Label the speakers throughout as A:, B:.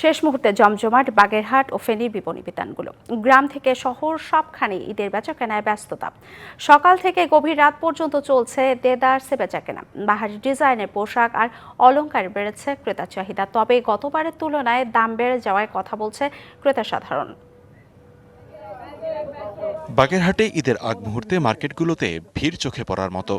A: শেষ মুহূর্তে জমজমাট বাগেরহাট ও ফেনীর বিপণী বিতানগুলো। গ্রাম থেকে শহর সবখানে ঈদের বেচাকেনায় ব্যস্ততা। সকাল থেকে গভীর রাত পর্যন্ত চলছে দেদারসে বেচাকেনা। বাহারি ডিজাইনের পোশাক আর অলংকার বেড়েছে ক্রেতার চাহিদা, তবে গতবারের তুলনায় দাম বেড়ে যাওয়ায় কথা বলছে ক্রেতা সাধারণ।
B: বাগেরহাটে ঈদের আগ মুহূর্তে মার্কেটগুলোতে ভিড় চোখে পড়ার মতো।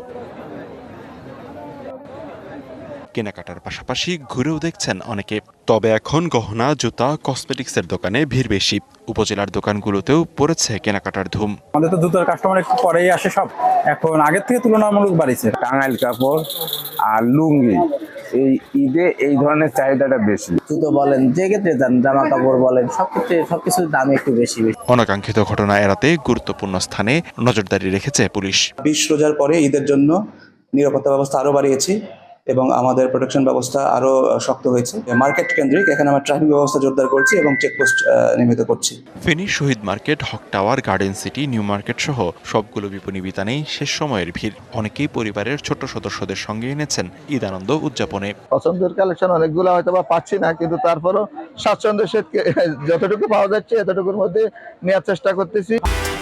B: কেনাকাটার পাশাপাশি ঘুরেও দেখছেন অনেকে। তবে এখন গহনা, জুতা, কসমেটিক্সের দোকানে ভিড় বেশি। উপজেলার দোকানগুলোতেও পড়েছে কেনাকাটার ধুম।
C: আমাদের তো জুতার কাস্টমার একটু পরেই আসে সব, এখন আগের থেকে তুলনামূলক বাড়িছে।
D: টাঙ্গাইল কাপড় আর লুঙ্গি, এই ঈদে এই ধরনের চাহিদাটা বেশি।
E: জুতো বলেন, যে ক্ষেত্রে যান, জামা কাপড় বলেন, সবকিছুর দাম একটু বেশি।
B: অনাকাঙ্ক্ষিত ঘটনা এড়াতে গুরুত্বপূর্ণ স্থানে নজরদারি রেখেছে পুলিশ।
F: 20 রোজার পরে ঈদের জন্য নিরাপত্তা ব্যবস্থা আরো বাড়িয়েছি এবং আমাদের প্রোটেকশন ব্যবস্থা আরো শক্ত হয়েছে। মার্কেট কেন্দ্রিক এখানে আমরা ট্রাফিক ব্যবস্থা জোরদার করছি এবং চেকপোস্ট নির্মিত করছি।
B: Feni Shahid Market, Haque Tower, Garden City, New Market সহ সবগুলো বিপণী বিতানেই শেষ সময়ের ভিড়। অনেকেই পরিবারের ছোট সদস্যদের সঙ্গে এনেছেন ঈদ আনন্দ উদযাপনে।
G: পছন্দের কালেকশন অনেকগুলো হয়তো বা পাচ্ছি না, কিন্তু তারপরও স্বাচ্ছন্দ্যের সাথে যতটুকু পাওয়া যাচ্ছে এতটুকুর মধ্যে নেওয়ার চেষ্টা করতেছি।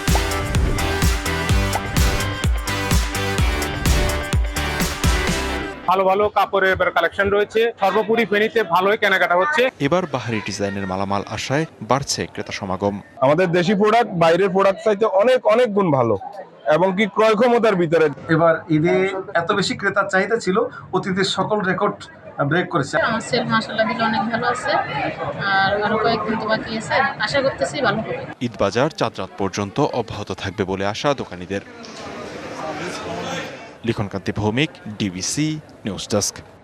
H: ভালো ভালো কাপড়ের কালেকশন রয়েছে। সর্বোপরি ফেনীতে ভালোই কেনাকাটা হচ্ছে।
B: এবার বাহারি ডিজাইনের মালামাল আসায় বাড়ছে ক্রেতা সমাগম।
I: আমাদের দেশি প্রোডাক্ট বাইরের প্রোডাক্ট চাইতে অনেক অনেক গুণ ভালো এবং কি ক্রয় ক্ষমতার ভিতরে।
J: এবার ঈদে এত বেশি ক্রেতার চাহিদা ছিল, অতীতের সকল রেকর্ড ব্রেক করেছে।
K: আমার সেল মাশাআল্লাহ অনেক ভালো আছে, আর আরো কয়েকদিন তো বাকি আছে, আশা করতেছি ভালো হবে।
B: ঈদ বাজার চাঁদ রাত পর্যন্ত অব্যাহত থাকবে বলে আশা দোকানীদের। Likhankanti Bhowmik, DBC News desk.